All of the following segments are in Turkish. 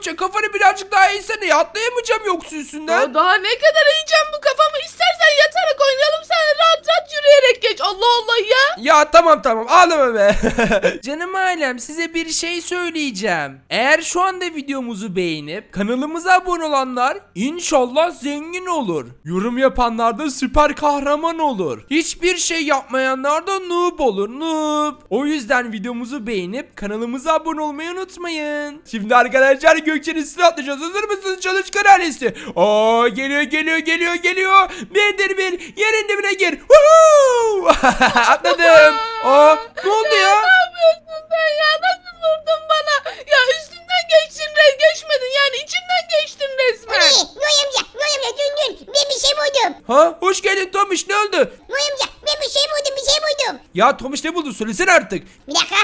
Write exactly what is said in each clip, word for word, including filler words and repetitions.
Gökçe kafanı birazcık daha eğsene ya. Atlayamayacağım yoksa üstünden. Ya daha ne kadar yiyeceğim bu kafamı? İstersen yatarak oynayalım, sen rahat rahat yürüyerek geç. Allah Allah ya. Ya tamam tamam ağlama be. Canım ailem size bir şey söyleyeceğim. Eğer şu anda videomuzu beğenip kanalımıza abone olanlar inşallah zengin olur. Yorum yapanlar da süper kahraman olur. Hiçbir şey yapmayanlar da noob olur noob. O yüzden videomuzu beğenip kanalımıza abone olmayı unutmayın. Şimdi arkadaşlar Gökçe'nin üstüne atlayacağız. Hazır mısınız çalışkan ailesi? Aa geliyor geliyor geliyor geliyor. Birdir bir yerin dibine gir. Woohoo! Atladım. Aa ne oldu ya? Ne yapıyorsun sen ya? Nasıl vurdun bana? Ya üstünden geçtin, re geçmedin yani, içinden geçtin resmen. Ne? Noy amca, Noy amca dün dün ben bir şey buldum. Ha hoş geldin Tomiş ne oldu? Noy amca ben bir şey buldum, bir şey buldum. Ya Tomiş ne buldun söylesene artık. Bir dakika.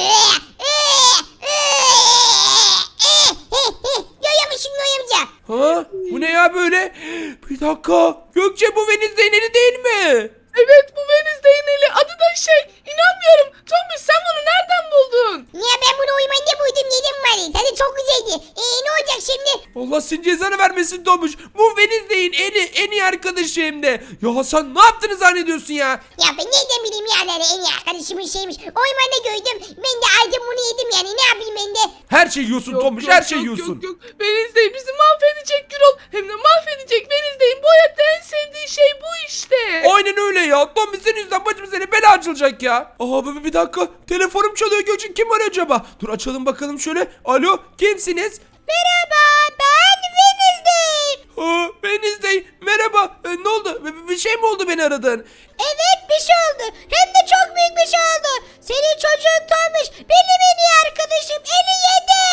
Görüyormuşsun Noy amca. Ha bu ne ya böyle? Bir dakika. Gökçe bu Venizde'nin eli değil mi? Evet, bu Venizde'nin eli. Adı da şey, inanmıyorum. Tombiş sen bunu nereden buldun? Ya ben bunu uyumanda buydum, yedim var. Tadı çok güzeldi. Eee ne olacak şimdi? Allah senin cezanı vermesin Tomiş. Bu Venizde'nin eli en iyi arkadaşı hem de. Ya sen ne yaptığını zannediyorsun ya? Ya ben nereden bileyim yerleri, en iyi arkadaşımın şeymiş. Oymanda gördüm. Ben de aldım bunu yedim yani, ne yapayım ben de. Her şeyi yiyorsun Yok, Tomiş yok, her şeyi yok, yiyorsun. Yok yok, Venizde bizi mahvedecek Gürol. Hem de mahvedecek. Venizde'nin bu hayatta en sevdiği şey bu işte. Aynen öyle ya. Tomiş senin yüzünden başımıza ne bela açılacak ya. Aa bir, bir dakika. Telefonum çalıyor Gökçe. Kim var acaba? Dur açalım bakalım şöyle. Alo kimsiniz? Merhaba, ben Venizde. Aa, Venizde. Merhaba. Ee, ne oldu? Bir, bir şey mi oldu beni aradın? Evet, bir şey oldu. Hem de çok büyük bir şey oldu. Senin çocuğun Tomiş benim en iyi arkadaşım eli yedi.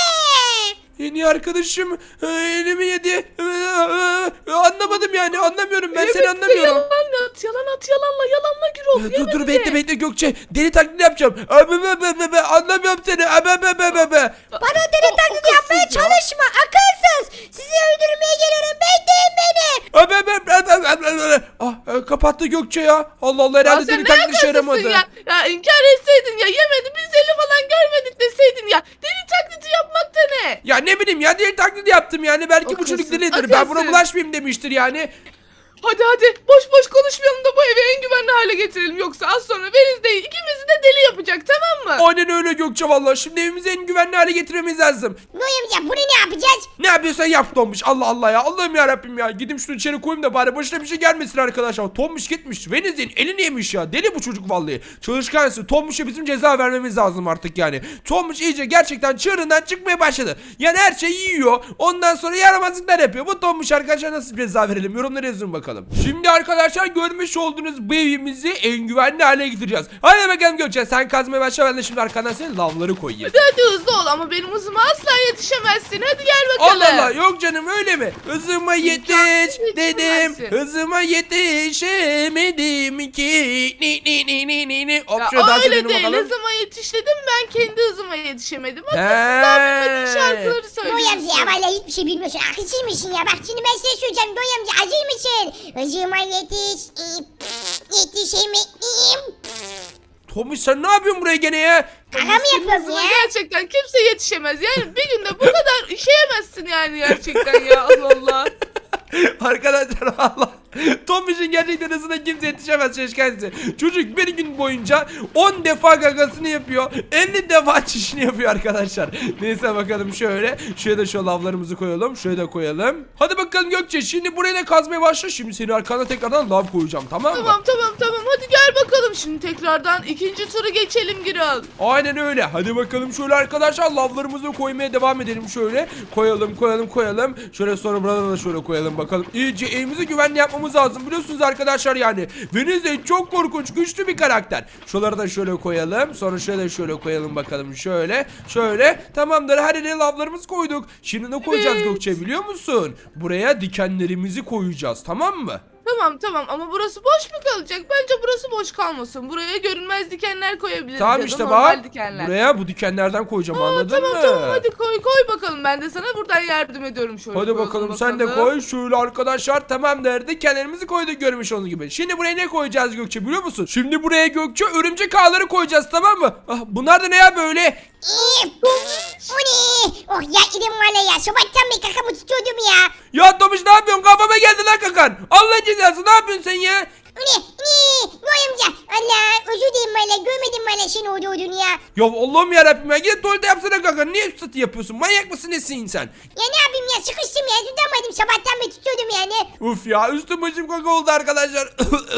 En iyi arkadaşım e, elimi yedi. E, e, anlamadım yani anlamıyorum ben Evet, seni anlamıyorum. Yalan at, yalan at, yalanla, yalanla Gürol. E, Dur dur Yemedi bekle de. bekle Gökçe. Deli taklidi yapacağım. Abi be be be be anlamıyorum seni. Abi be be be be. Bana deli taklidi yapmaya çalışma, akılsız. Sizi öldürmeye geliyorum, bekleyin beni. Abi be be be be be. Ah e, kapattı Gökçe ya. Allah Allah Ya herhalde sen deli ne taklidi işe yakasısın yaramadı. ya? Ya inkar etseydin ya, yemedi, biz eli falan görmedik deseydin ya. Deli taklidi yapmak da ne? Ya ne bileyim ya deli taklidi yaptım yani. Belki bu Akılsın, çocuk delidir. Ben buna akılsın. bulaşmayayım demiştir yani. Hadi hadi, boş boş konuşmayalım da bu evi en güvenli hale getirelim. Yoksa az sonra Venizde'yi ikimizi de deli yapacak, tamam mı? Aynen öyle Gökçe vallahi. Şimdi evimizi en güvenli hale getirmemiz lazım. Noy amca bunu ne yapacağız? Ne yapıyorsan yap Tombiş. Allah Allah ya. Allah'ım ya Rabbim ya. Gidip şunu içeri koyayım da bari başına bir şey gelmesin arkadaşlar. Tombiş gitmiş. Veniz'in elini yemiş ya. Deli bu çocuk vallahi. Çalışkansı. Tombiş'e bizim ceza vermemiz lazım artık yani. Tombiş iyice gerçekten çığırından çıkmaya başladı. Yani her şeyi yiyor. Ondan sonra yaramazlıklar yapıyor. Bu Tombiş arkadaşlar nasıl ceza verelim? Yorumlara yazın bakalım. Şimdi arkadaşlar görmüş olduğunuz bu evimizi en güvenli hale getireceğiz. Hadi bakalım Gökçe. Sen kazmaya başla. Ben de şimdi arkandan senin lavları koyayım. Hadi hadi hızlı ol, ama benim hızıma asla yetişemezsin. Hadi gel bakalım. Allah Allah yok canım öyle mi? Hızıma yetiş İmkansız dedim. yetişemezsin. Hızıma yetişemedim ki. Ni ni ni ni ni ni. Hop Ya şöyle dans öyle edelim değil, bakalım. hızıma yetiş dedim, ben kendi hızıma yetişemedim. Hadi He. sizden bilmediğin şarkıları Noy amca ya söylüyorsun. valla hiçbir şey bilmiyorsun. Akılsızmışsın ya. Bak şimdi ben size söyleyeceğim. Noy amca acır mısın? Hızıma yetiş. Yetişemeyim. Tomuş sen ne yapıyorsun buraya gene ya? Kaka mı Senin yapıyorsun hızına ya? gerçekten kimse yetişemez. Yani bir günde bu kadar işeyemezsin yani, gerçekten ya. Allah Allah. Arkadaşlar valla Tomuş'un gerçekten hızına kimse yetişemez şaşkınsı. Çocuk bir gün boyunca on defa gagasını yapıyor, elli defa çişini yapıyor arkadaşlar. Neyse bakalım şöyle. Şuraya da şu lavlarımızı koyalım. Şuraya da koyalım. Hadi bakalım Gökçe şimdi buraya da kazmaya başla. Şimdi senin arkana tekrardan lav koyacağım, tamam mı? Tamam tamam tamam, hadi gel bakalım şimdi tekrardan ikinci turu geçelim Gürol. Aynen öyle. Hadi bakalım şöyle arkadaşlar lavlarımızı koymaya devam edelim şöyle. Koyalım koyalım koyalım. Şöyle sonra buradan da şöyle koyalım bakalım. İyice evimizi güvenli yapmamız lazım. Biliyorsunuz arkadaşlar yani. Venizde çok korkunç güçlü bir karakter. Şuraları da şöyle koyalım. Sonra şöyle şöyle koyalım bakalım şöyle. Şöyle. Tamamdır. Her yere lavlarımızı koyduk. Şimdi ne koyacağız Evet. Gökçe biliyor musun? Buraya dikenlerimizi koyacağız, tamam mı? Tamam tamam, ama burası boş mu kalacak? Bence burası boş kalmasın. Buraya görünmez dikenler koyabiliriz. Tamam ya da işte normal bak. dikenler. Buraya bu dikenlerden koyacağım, Aa, anladın tamam mı? tamam, hadi koy koy bakalım, ben de sana buradan yardım ediyorum şöyle. Hadi koyalım bakalım sen de koy. Şöyle arkadaşlar tamamdır. Dikenlerimizi koyduk görmüş olduğunuz gibi. Şimdi buraya ne koyacağız Gökçe biliyor musun? Şimdi buraya Gökçe örümcek ağları koyacağız, tamam mı? Ah, bunlar da ne ya böyle? İyi. O ne? Oh ya idim valla ya. Sabahtan beri kakamı tutuyordum ya. Ya Tomuş ne yapıyorsun? Kafama geldi lan kakan. Allah'ın cezası ne yapıyorsun sen ya? O ne? Ne? Noy amca. Allah özür dilerim valla. Görmedim valla senin orada olduğunu ya. Ya Allah'ım yarabbim ya. Git tuvalete yapsana kakan. Niye üstü yapıyorsun? Manyak mısın nesin sen? Ya ne yapayım ya sıkıştım ya. Tutamadım sabahtan beri tutuyordum yani. Uf ya üstüm başım kaka oldu arkadaşlar.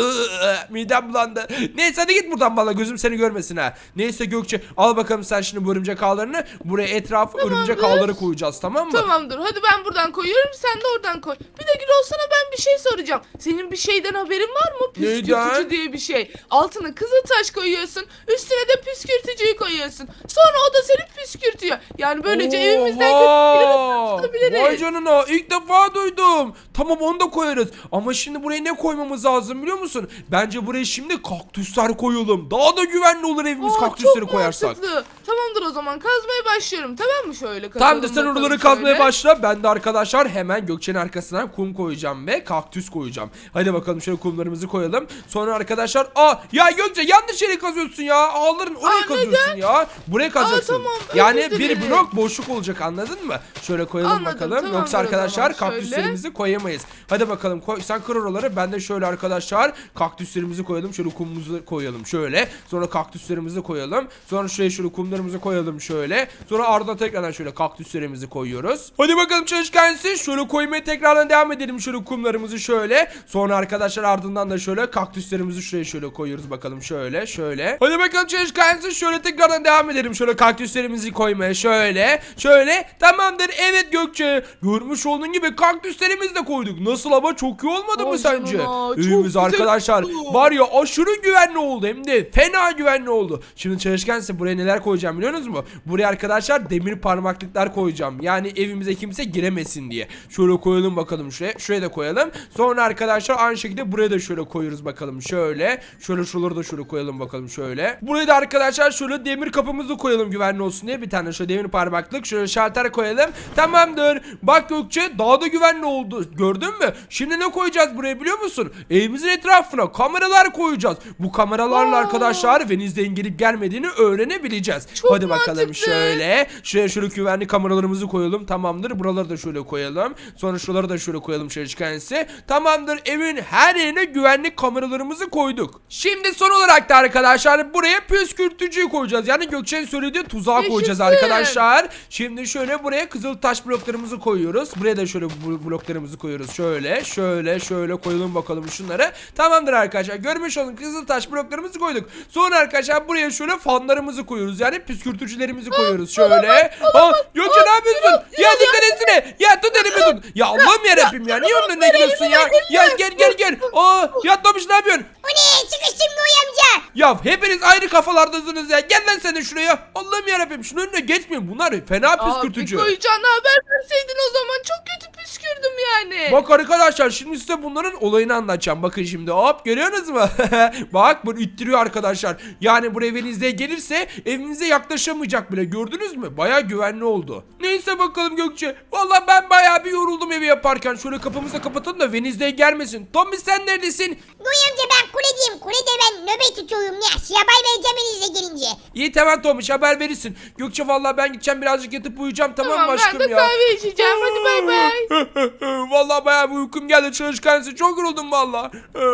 Midem bulandı. Neyse hadi git buradan valla gözüm seni görmesin ha. Neyse Gökçe al bakalım sen şimdi bu örümcek ağlarını. Buraya etrafı örümcek ağları koyacağız tamam mı? Tamamdır. Hadi ben buradan koyuyorum. Sen de oradan koy. Bir de Gürol sana ben bir şey soracağım. Senin bir şeyden haberin var mı? Püskürtücü Neyden? diye bir şey. Altına kızıltaş koyuyorsun. Üstüne de püskürtücüyü koyuyorsun. Sonra o da seni püskürtüyor. Yani böylece evimizden Oha! kötü tutabiliriz. Vay canına ilk defa duydum. Tamam onu da koyarız. Ama şimdi buraya ne koymamız lazım biliyor musun? Bence buraya şimdi kaktüsler koyalım. Daha da güvenli olur evimiz Aa, kaktüsleri çok koyarsak. mantıklı. Tamamdır o zaman kazmaya başlıyorum. Tamam mı şöyle kazalım Tamam da sen bakalım oraları şöyle. kazmaya başla. Ben de arkadaşlar hemen Gökçe'nin arkasına kum koyacağım ve kaktüs koyacağım. Hadi bakalım şöyle kumlarımızı koyalım. Sonra arkadaşlar aa ya Gökçe yanlış yere kazıyorsun ya. Ağların oraya Aa, kazıyorsun ya. Buraya kazacaksın. tamam, özür yani bir dilerim. blok boşluk olacak anladın mı? Şöyle koyalım Anladım, bakalım. tamamdır Yoksa o arkadaşlar zaman, kaktüslerimizi koyamayız. Hadi bakalım koy. Sen kır oraları. Ben de şöyle arkadaşlar kaktüslerimizi koyalım. Şöyle kumumuzu koyalım şöyle. Sonra kaktüslerimizi koyalım. Sonra şuraya şöyle kumlarımızı koyalım şöyle. Sonra ardından tekrardan şöyle kaktüslerimizi koyuyoruz. Hadi bakalım çalışkansı. Şöyle koymaya tekrardan devam edelim şöyle kumlarımızı şöyle. Sonra arkadaşlar ardından da şöyle kaktüslerimizi şuraya şöyle koyuyoruz bakalım şöyle şöyle. Hadi bakalım çalışkansı. Şöyle tekrardan devam edelim şöyle kaktüslerimizi koymaya şöyle. Şöyle. Tamamdır. Evet Gökçe. Görmüş olduğun gibi kaktüslerimizi de koyduk. Nasıl ama çok iyi olmadı mı Vay sence? canına, çok Evimiz güzel arkadaşlar oldu. var ya aşırı güvenli oldu hem de fena güvenli oldu. Şimdi çalışkansa buraya neler koyacağım biliyorsunuz mu? Buraya arkadaşlar demir parmaklıklar koyacağım. Yani evimize kimse giremesin diye. Şöyle koyalım bakalım şuraya. Şuraya da koyalım. Sonra arkadaşlar aynı şekilde buraya da şöyle koyuyoruz bakalım şöyle. Şöyle şuraları da şöyle koyalım bakalım şöyle. Buraya da arkadaşlar şöyle demir kapımızı koyalım güvenli olsun diye. Bir tane şöyle demir parmaklık şöyle şalter koyalım. Tamamdır. Bak Gökçe daha da güvenli oldu. Gördün mü? Şimdi ne koyacağız buraya biliyor musun? Evimizin etrafına kameralar koyacağız. Bu kameralarla Aa. arkadaşlar Venizde'nin gelip gelmediğini öğrenebileceğiz. Çok Hadi bakalım mantıklı. şöyle. Şuraya şöyle güvenli kameralarımızı koyalım. Tamamdır. Buraları da şöyle koyalım. Sonra şuraları da şöyle koyalım şöyle çıkarsa. Tamamdır. Evin her yerine güvenlik kameralarımızı koyduk. Şimdi son olarak da arkadaşlar buraya püskürtücüyü koyacağız. Yani Gökçe'nin söylediği tuzağa koyacağız Yaşasın. arkadaşlar. Şimdi şöyle buraya kızıl taş bloklarımızı koyuyoruz. Buraya da şöyle bu bloklarımızı koyuyoruz. Şöyle şöyle şöyle koyalım bakalım şunları. Tamamdır arkadaşlar. Görmüş olun kızıl taş bloklarımızı koyduk. Sonra arkadaşlar buraya şöyle fanlarımızı koyuyoruz. Yani püskürtücülerimizi koyuyoruz. Şöyle. Aa, Gökçe ne yapıyorsun? Ya dikkat etsene. Ya tut elimi tut. Ya Allah'ım yarabbim ya. Niye onun önüne gidiyorsun ya? Ya gel gel gel. Aa, yatmamış ne yapıyorsun? O ne? Sıkıştım Noy amca. Ya hepiniz ayrı kafalardasınız ya. Gel lan sen de şuraya. Allah'ım yarabbim şunun önüne geçmeyin. Bunlar fena püskürtücü. Abi koyacağına haber verseydin o zaman çok kötü püskürdüm yani. Bak arkadaşlar şimdi size bunların olayını anlatacağım. Bakın şimdi hop görüyorsunuz mu? Bak bunu ittiriyor arkadaşlar. Yani buraya evinizde gelirse evinize yaklaşamayacak bile. Gördünüz mü? Baya güvenli oldu. Neyse bakalım Gökçe. Vallahi ben baya bir yoruldum evi yaparken. Şöyle kapımızı da kapatalım da Wednesday gelmesin. Tommy sen neredesin? Noy amca ben kuledeyim. Kulede ben nöbet tutuyorum ya. Size haber vereceğim elinizle gelince. İyi tamam Tomiş haber verirsin. Gökçe vallahi ben gideceğim birazcık yatıp uyuyacağım tamam, Tamam mı aşkım ben de ya? kahve içeceğim. Hadi bay bay. Vallahi bayağı bir uykum geldi çalışkansı. Çok yoruldum vallahi.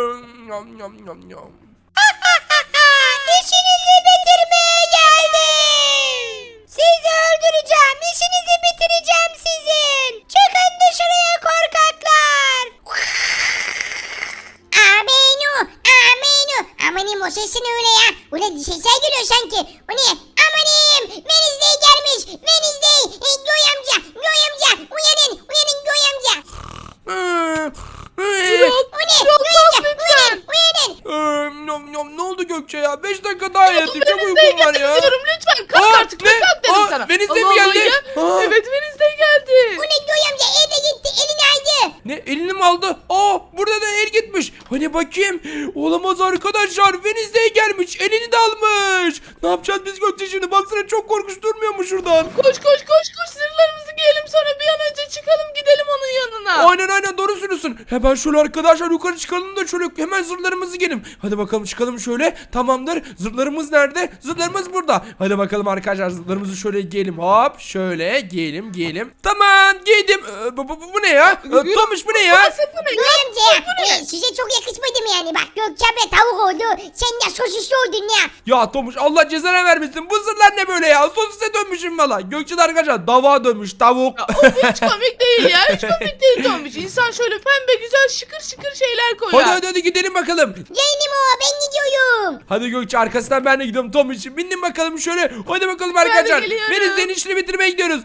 Yam, yam, yam, yam. İşinizi bitirmeye geldim. Sizi öldüreceğim. İşinizi bitireceğim sizin. Çıkın dışarıya korkaklar. Aminu. Aminu. Amanim o sesin öyle ya. Ulan sesler geliyor sanki. O ne? Amanim. Venizde gelmiş. Venizde. E, Göy amca. Göy amca. Uyanın. Uyanın Göy amca. Gürol, O ne? Gürol Göy kalk amca. lütfen. Uyanın. Ee, yam, yam, ne oldu Gökçe ya? beş dakika daha yatayım. Çok Wednesday uykum var geldi ya. diyorum lütfen. Kalk Aa, artık. ne? Ne? Kalk dedim Aa, sana. Wednesday mi Allah Allah geldi? ya. Aa. Evet Wednesday geldi. O ne Göy amca evde gitti. Elini aldı. Ne elini mi aldı? Aa burada da el gitmiş. Hani bakayım. Olamaz arkadaşlar. Wednesday gelmiş. Elini de almış. Ne yapacağız biz Gökçe şimdi? Baksana çok korkunç durmuyor mu şuradan? Koş koş koş koş zırhlarımızı giyelim sonra bir an önce çıkalım gidelim onun yanına. Aynen Aynen aynen doğru söylüyorsun. Hemen şöyle arkadaşlar yukarı çıkalım da şöyle hemen zırhlarımızı giyelim. Hadi bakalım çıkalım şöyle. Tamamdır. Zırhlarımız nerede? Zırhlarımız burada. Hadi bakalım arkadaşlar zırhlarımızı şöyle giyelim. Hop şöyle giyelim giyelim. Tamam giydim. Ee, bu, bu, bu ne ya? Ee, Tomuş bu ne ya? Burası bu ne? Göğe amca ya. E, size çok yakışmadı mı yani? Bak Gökçe abla tavuk oldu. Sen de sosisli oldun ya. Ya Tomuş Allah cezana vermesin. Bu zırhlar ne böyle ya? Sosise dönmüşüm valla. Gökçe'de arkadaşlar dava dönmüş tavuk. Ya, of hiç komik değil ya. Hiç komik değil Tombiş. İnsan şöyle pembe güzel şıkır şıkır şeyler koyar. Hadi hadi hadi gidelim bakalım. Geldim o ben gidiyorum. Hadi Gökçe arkasından ben de gidiyorum Tom için. Bindim bakalım şöyle. Hadi bakalım arkadaşlar. geliyorum. Denizlerin işini bitirmeye gidiyoruz.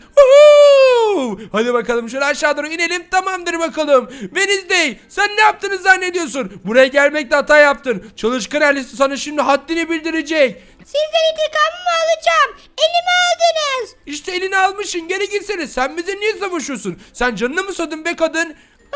Woohoo! Hadi bakalım şöyle aşağı doğru inelim. Tamamdır bakalım. Wednesday sen ne yaptığını zannediyorsun? Buraya gelmekte hata yaptın. Çalışkan ailesi sana şimdi haddini bildirecek. Sizden intikamımı alacağım. Elime aldınız. İşte elini almışsın. Geri gitsene. Sen bize niye savaşıyorsun? Sen canını mı sadın be kadın?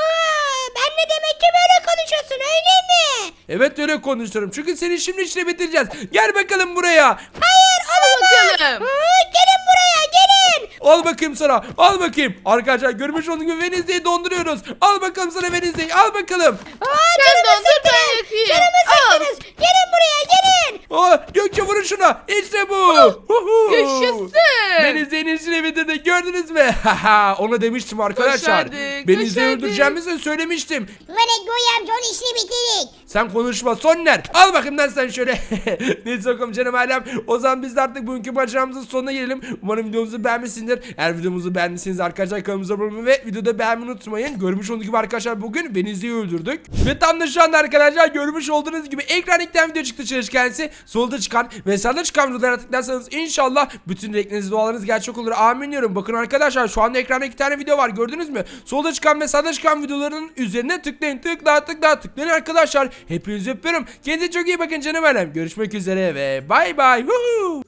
Aa, ben de demek ki böyle konuşuyorsun öyle mi? Evet öyle konuşuyorum. Çünkü seni şimdi işini bitireceğiz. Gel bakalım buraya. Hayır olamaz. Bakalım. Aa, gelin buraya gelin. Al bakayım sana. Al bakayım. Arkadaşlar görmüş olduğunuz gibi Wednesday'i donduruyoruz. Al bakalım sana Wednesday. Al bakalım. Aa, Sen canımı dondur ben sıktınız. yakayım. Canımı Al. sıktınız. Gelin buraya gelin. Aa, Gökçe vurun şuna. İşte bu. Huhu. Yaşasın. Wednesday'in işini bitirdik. Gördünüz mü? Haha, ona demiştim arkadaşlar. Başardık, Wednesday'i başardık. öldüreceğimizi söylemiştim. Bana Göğe amca onun işini bitirdik. Sen konuşma Sonner. Al bakayım lan sen şöyle. Neyse bakalım canım ailem. O zaman biz de artık bugünkü maceramızın sonuna gelelim. Umarım videomuzu beğenmişsinizdir. Eğer videomuzu beğendiyseniz arkadaşlar kanalımıza abone olmayı ve videoda beğenmeyi unutmayın. Görmüş olduğunuz gibi arkadaşlar bugün Wednesday'i öldürdük. Ve tam da şu anda arkadaşlar görmüş olduğunuz gibi ekran iki tane video çıktı çalışkensi. Solda çıkan ve sağda çıkan videolara tıklarsanız inşallah bütün dilekleriniz dualarınız gerçek olur. Amin diyorum. Bakın arkadaşlar şu anda ekranda iki tane video var gördünüz mü? Solda çıkan ve sağda çıkan videoların üzerine tıklayın. Tıkla tıkla tıklayın arkadaşlar. Hepinizi öpüyorum. Kendinize çok iyi bakın canım ailem. Görüşmek üzere ve bay bay. Woohoo!